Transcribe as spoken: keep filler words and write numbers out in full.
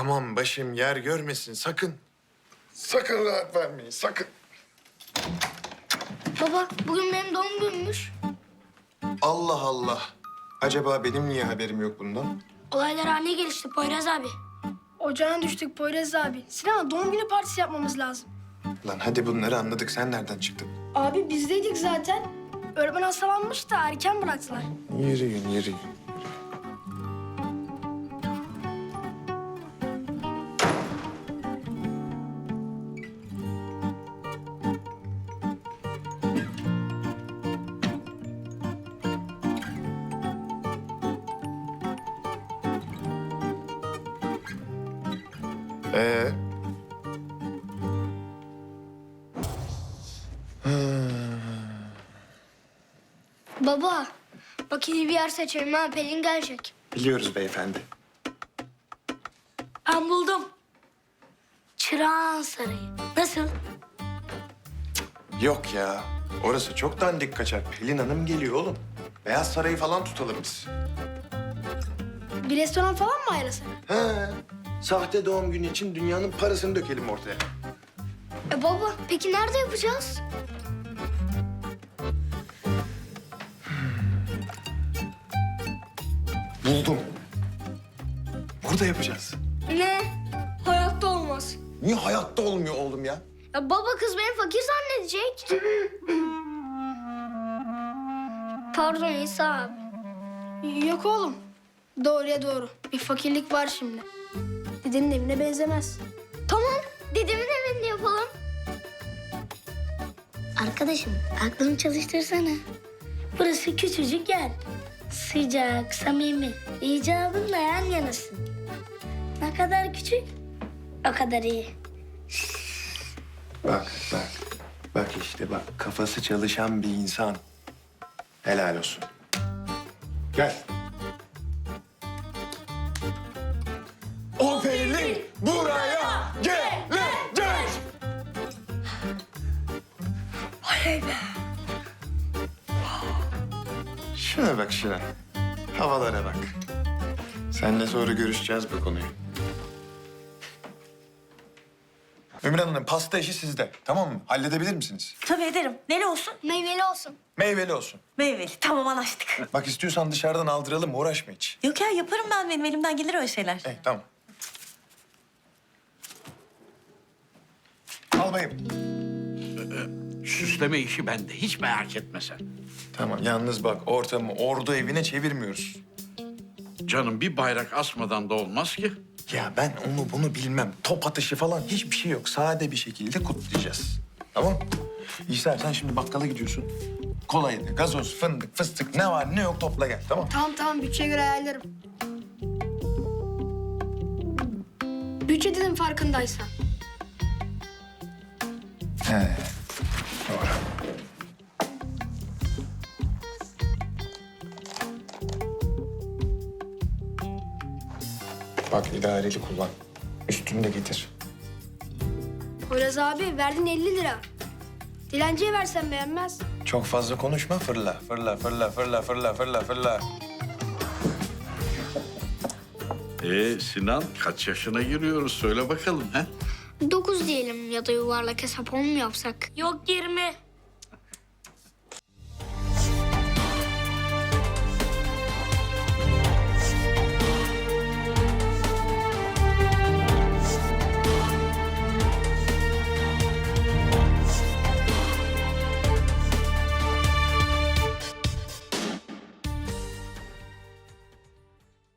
Tamam başım yer görmesin sakın. Sakın rahat vermeyin sakın. Baba bugün benim doğum günümmüş. Allah Allah. Acaba benim niye haberim yok bundan? Olaylar haline gelişti Poyraz abi. Ocağına düştük Poyraz abi. Sinan doğum günü partisi yapmamız lazım. Lan hadi bunları anladık. Sen nereden çıktın? Abi bizdeydik zaten. Öğretmen hastalanmış da erken bıraktılar. Yürüyün, yürüyün. Ee? Baba bak iyi bir yer seçelim ha, Pelin gelecek. Biliyoruz beyefendi. Ben buldum. Çırağan Sarayı. Nasıl? Yok ya. Orası çok dandik kaçar. Pelin Hanım geliyor oğlum. Beyaz Sarayı falan tutalım biz. Bir restoran falan mı ayarlasak? He. Sahte doğum günü için dünyanın parasını dökelim ortaya. E baba peki nerede yapacağız? Buldum. Burada yapacağız. Ne? Hayatta olmaz. Niye hayatta olmuyor oğlum ya? Ya baba kız beni fakir zannedecek. Pardon İsa abi. Yok oğlum. Doğruya doğru. Bir fakirlik var şimdi. Dedenin evine benzemez. Tamam dedemin evinde yapalım. Arkadaşım aklını çalıştırsana. Burası küçücük yer. Sıcak, samimi. İcabınla yan yanasın. Ne kadar küçük, o kadar iyi. Bak, bak. Bak işte bak. Kafası çalışan bir insan. Helal olsun. Gel. O Pelin buraya gelecek. Oley be. Şuna bak şuna. Havalara bak. Seninle sonra görüşeceğiz bu konuyu. Ümran Hanım pasta işi sizde. Tamam mı? Halledebilir misiniz? Tabii ederim. Neli olsun? Meyveli olsun. Meyveli olsun. Meyveli. Tamam anlaştık. Bak istiyorsan dışarıdan aldıralım uğraşma hiç. Yok ya yaparım ben. Benim elimden gelir öyle şeyler. Eh, tamam. Al bayım. Süsleme işi bende. Hiç merak etme sen. Tamam yalnız bak ortamı ordu evine çevirmiyoruz. Canım bir bayrak asmadan da olmaz ki. Ya ben onu bunu bilmem. Top atışı falan hiçbir şey yok. Sade bir şekilde kutlayacağız. Tamam? İsa sen şimdi bakkala gidiyorsun. Kolaydı, gazoz, fındık, fıstık ne var ne yok topla gel tamam? Tamam tamam bütçeye göre ayarlarım. Bütçe dedim farkındaysan. He. Doğru. Bak idareli kullan. Üstünü de getir. Poyraz abi verdin elli lira. Dilenciye versen beğenmez. Çok fazla konuşma fırla. Fırla, fırla, fırla, fırla, fırla, fırla. Ee Sinan kaç yaşına giriyoruz söyle bakalım ha? Dokuz diyelim ya da yuvarlak hesap on mu yapsak? Yok yirmi.